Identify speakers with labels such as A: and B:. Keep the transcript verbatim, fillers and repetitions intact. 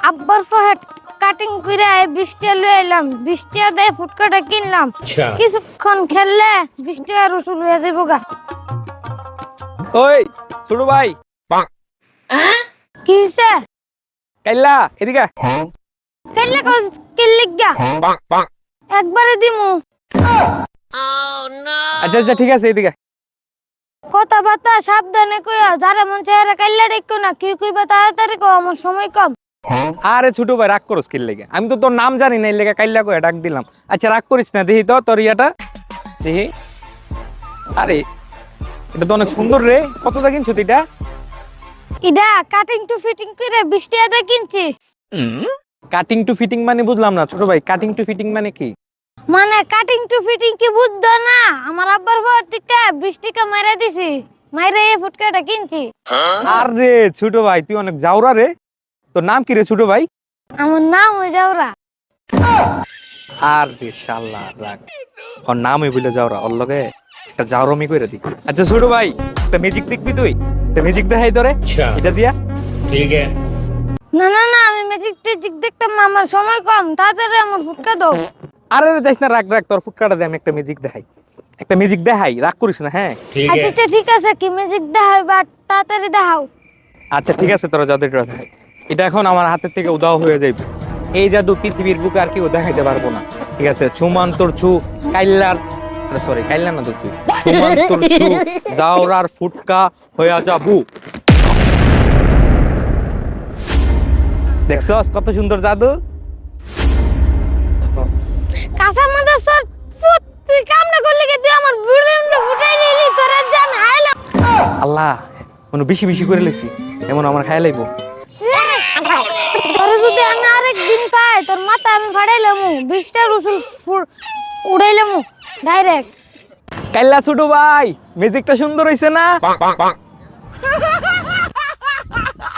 A: আব্বার ফহেড কাটিং করে বিশ টাকা লয়ে এলাম, বিশ টাকা দিয়ে ফুটকাটা কিনলাম। কিছুক্ষণ খেললে বিশ টাকা রসুন হয়ে যাবো গা।
B: ওই ছোট ভাই
A: কি হইছে?
B: কাইল্লা এদিকে
A: খেললে কিল্লিক গা একবারে দিমু।
B: আচ্ছা আচ্ছা ঠিক আছে এদিকে
A: কথা বার্তা সাবধানে কইয়া, যারা মন চেহারা কাইল্লা দেখো না, কি কইবা তাড়াতাড়ি কও, আমার সময় কম।
B: আরে ছোট ভাই রাগ করস কি লেগে? আমি তো তোর নাম জানি না, এই লেগে কাইল্লা করে ডাক দিলাম। আচ্ছা রাগ করিস না, দেখি তো তোর ইয়াটা দেখি। আরে এটা তো অনেক সুন্দর রে, কত দা কিনছো এটা?
A: ইডা কাটিং টু ফিটিং করে বিশ টাকা দিয়ে কিনছি।
B: কাটিং টু ফিটিং মানে বুঝলাম না ছোট ভাই, কাটিং টু ফিটিং মানে কি?
A: মানে কাটিং টু ফিটিং কি বুঝছো না? আমার আব্বার ঘর থেকে বিশ টাকা মাইরা দিছি, মাইরা এই ফুটকাটা কিনছি।
B: আরে ছোট ভাই তুই অনেক জাউরা রে। তোর নাম কি রে ছোট ভাই?
A: আমার নাম হয়ে যাওরা।
B: আরে শালা রাগ, ওর নামই বলে জাউরা, ওর লগে একটা জাউরমি কইরা দি। আচ্ছা ছোট ভাই একটা ম্যাজিক দেখবি তুই? একটা ম্যাজিক দেখাই তোরে, এটা দিয়া।
C: ठीक है।
A: না না না, আমি ম্যাজিক টেজিক দেখতাম না, আমার সময় কম, তাড়াতাড়ি আমার ফুটকা দাও।
B: আরে যাইস না, রাগ রাগ, তোর ফুটকাটা দে, আমি একটা ম্যাজিক দেখাই। একটা ম্যাজিক দেখাই, রাগ করিস না হ্যাঁ?
C: ठीक है।
A: আচ্ছা ঠিক আছে, কি ম্যাজিক দেখাই বা তাড়াতাড়ি দেখাও।
B: আচ্ছা ঠিক আছে, তোরা জাদু এটা দেখাই। এটা এখন আমার হাতের থেকে উদাও হয়ে যাইবে। এই জাদু পৃথিবীর বুকে আর কেউ দেখাইতে পারবো না। ঠিক আছে, ছুমান তোর ছু কাইল্লার, আরে সরি কাইল্লা না তো তুই, ছুমান তোর ছু জাউরার ফুটকা হইয়া যাবু। দেখছস কত সুন্দর জাদু?
A: কাঁচা মাদা সর ফুট, তুই কাম না করলে কি তুই আমার বুড়িমটা ফুটাই নিলি, তোরা জান হাইলা।
B: আল্লাহ মনে বেশি বেশি করে লেছি, এমন আমার খাই লাইবো।
A: তোর যদি আমি আরেক দিন পাই, তোর মাথা আমি ফাড়াইলামু, বিশটা রসুন উড়াইলামু ডাইরেক্ট।
B: কাইল্লা ছোট ভাই ম্যাজিকটা সুন্দর হইছে না?